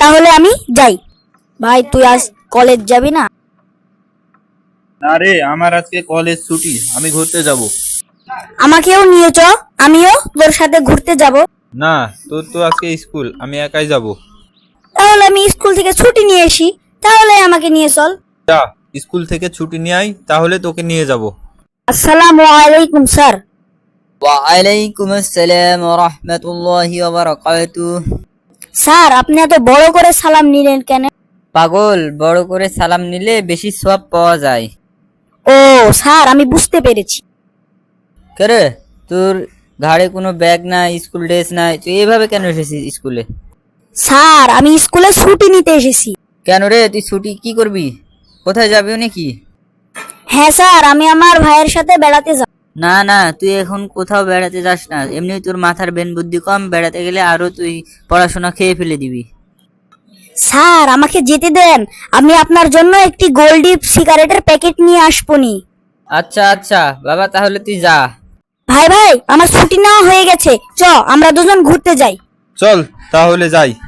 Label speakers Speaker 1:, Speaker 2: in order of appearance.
Speaker 1: তাহলে আমি যাই। ভাই তুই আজ কলেজ যাবি না?
Speaker 2: না রে, আমার আজকে কলেজ ছুটি, আমি ঘুরতে যাব।
Speaker 1: আমাকেও নিয়ে চ, আমিও তোর সাথে ঘুরতে যাব।
Speaker 2: না, তোর তো আজকে স্কুল, আমি একাই যাব।
Speaker 1: তাহলে আমি স্কুল থেকে ছুটি নিয়ে আসি, তাহলে আমাকে নিয়ে চল।
Speaker 2: যা, স্কুল থেকে ছুটি নিয়ে আয়, তাহলে তোকে নিয়ে যাব।
Speaker 1: আসসালামু আলাইকুম স্যার।
Speaker 3: ওয়ালাইকুম আসসালাম ওয়া রাহমাতুল্লাহি ওয়া বারাকাতুহু।
Speaker 1: স্যার আপনি এত বড় করে সালাম নিলেন কেন?
Speaker 3: পাগল, বড় করে সালাম নিলে বেশি সওয়াব পাওয়া যায়।
Speaker 1: ও স্যার, আমি বুঝতে পেরেছি।
Speaker 3: কেরে, তোর ঘাড়ে কোনো ব্যাগ নাই, স্কুল ড্রেস নাই, তুই এইভাবে কেন এসেছিস স্কুলে?
Speaker 1: স্যার আমি স্কুলে ছুটি নিতে এসেছি।
Speaker 3: কেন রে, তুই ছুটি কি করবি? কোথায় যাবি নাকি?
Speaker 1: হ্যাঁ স্যার, আমি আমার ভাইয়ের সাথে বেড়াতে যাব।
Speaker 3: না না, তুই এখন কোথাও বেড়াতে যাস না, এমনি তোর মাথার বেন বুদ্ধি কম, বেড়াতে গেলে আরো তুই পড়াশোনা খেয়ে ফেলে দিবি।
Speaker 1: স্যার আমাকে যেতে দেন, আমি আপনার জন্য একটি গোল্ডি সিগারেটের প্যাকেট নিয়ে আসবনি।
Speaker 3: আচ্ছা আচ্ছা বাবা, তাহলে তুই যা।
Speaker 1: ভাই ভাই, আমার ছুটি নেওয়া হয়ে গেছে, চ আমরা দুজন ঘুরতে যাই।
Speaker 2: চল তাহলে যাই।